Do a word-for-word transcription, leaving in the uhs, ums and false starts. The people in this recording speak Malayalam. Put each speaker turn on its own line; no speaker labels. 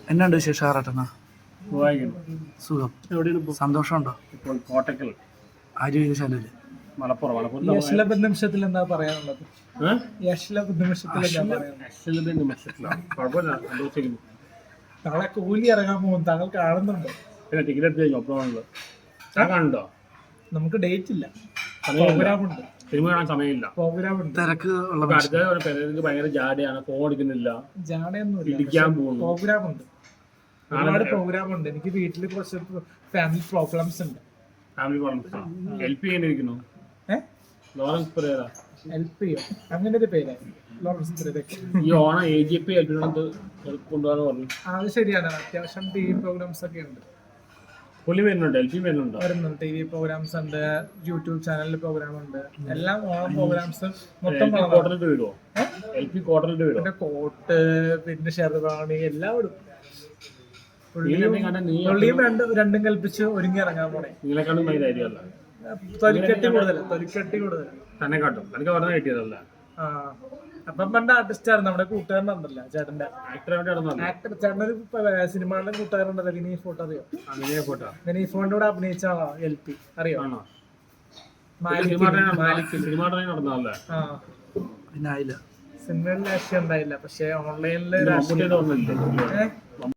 എന്നാണ്ട് വിശേഷം ആറാട്ടെന്നാ? സുഖം.
എവിടെയാണ് ഇപ്പോൾ?
സന്തോഷമുണ്ടോ?
ഇപ്പോൾ കോട്ടക്കൽ
ആര്യ വിശാലല്ലേ?
മലപ്പുറം മലപ്പുറം
യശ്ലഭ നിമിഷത്തിൽ എന്താ പറയാനുള്ളത്? യശ്ലഭ നിമിഷത്തിൽ എന്താ പറയാനുള്ളത്?
നിമിഷത്തിലാണ് കുഴപ്പമില്ല, സന്തോഷിക്കുന്നു.
നാളെ കൂലി ഇറങ്ങാൻ പോകും, താങ്കൾ കാണുന്നുണ്ടോ?
പിന്നെ ടിക്കറ്റ് എടുത്ത് കഴിഞ്ഞു ഒപ്പമുണ്ട്. ഞാൻ കാണുന്നുണ്ടോ?
നമുക്ക് ഡേറ്റ് ഇല്ല,
സമയമില്ല,
പ്രോഗ്രാം ഉണ്ട്.
സിനിമ കാണാൻ സമയമില്ല,
പ്രോഗ്രാം ഉണ്ട്.
തിരക്ക് ഉള്ള
ഇപ്പൊ
മനുഷ്യൻ.
അടുത്ത പെരേക്ക് ഭയങ്കര ജാടയാണ്, ഫോൺ എടുക്കുന്നില്ല,
ജാടയൊന്നുമില്ല,
ഇടിക്കാൻ പോകുന്നു.
പ്രോഗ്രാം ഉണ്ട്, ഒരുപാട് പ്രോഗ്രാം ഉണ്ട്. എനിക്ക് വീട്ടിൽ കുറച്ച് ഫാമിലി പ്രോബ്ലംസ് ഉണ്ട്.
Family problems. എൽ പി എങ്ങനെ
ഏഹ്
ലോറൻസ് പെരേര
ഹെൽപ്പ് ചെയ്യോ? അങ്ങനെ ഒരു പേരായി ലോറൻസ് പെരേരയ്ക്ക്.
ഈ Onam A G P L P കൊണ്ടുപോകാന്ന് പറഞ്ഞു.
അത് ശരിയാണ്, അത്യാവശ്യം ടി വി പ്രോഗ്രാംസ് ഒക്കെ ഉണ്ട്.
പുള്ളി വരുന്നുണ്ട്, എൽ പി വരുന്നുണ്ടോ?
വരുന്നുണ്ട്, ടി വി പ്രോഗ്രാംസ് ഉണ്ട്, യൂട്യൂബ് ചാനലിൽ പ്രോഗ്രാം ഉണ്ട്, എല്ലാം ഓണം പ്രോഗ്രാംസ് മൊത്തം
കോട്ടലിട്ട് വരുമോ? എൽ പി കോട്ടലിട്ട് വരുമോ?
പിന്നെ കോട്ട്, പിന്നെ ഷെർവാണി എല്ലാം ഇടും.
നീ
പുള്ളിയും രണ്ടും രണ്ടും കൽപ്പിച്ച് ഒരുങ്ങി ഇറങ്ങാൻ പോണേ.
നിങ്ങളെക്കാളും ഭയങ്കരമായിരിക്കുമല്ല,
തൊലിക്കെട്ടി കൂടുതൽ തൊലിക്കെട്ടി കൂടുതൽ
തന്നെ കാട്ടും. എനിക്ക് പറഞ്ഞ കിട്ടിയതല്ല.
ആ അപ്പം പണ്ട് ആർട്ടിസ്റ്റ് ആയിരുന്നു, നമ്മുടെ കൂട്ടുകാരനുണ്ടല്ലോ ചേട്ടന്റെ
ആക്ടറെ നടന്നു
ആക്ടർ, ചേട്ടനൊരു സിനിമയുടെ കൂട്ടുകാരുണ്ടല്ലോ വിനീത് ഫോട്ടോ, അറിയോ?
ഫോട്ടോ
വിനീത് ഫോണിന്റെ കൂടെ അഭിനയിച്ച ആളാ എൽ പി, അറിയോ?
ആണോ?
മാലിക്കിൽ.
സിനിമ നടന്നതല്ലേ?
ആ
പിന്നെ ആയില്ല.
സിനിമയിൽ ലക്ഷ്യം ഉണ്ടായില്ല, പക്ഷെ ഓൺലൈനില്
മമ്മൂട്ടിയുടെ ഓർമ്മയില്ലേ?
ഏഹ്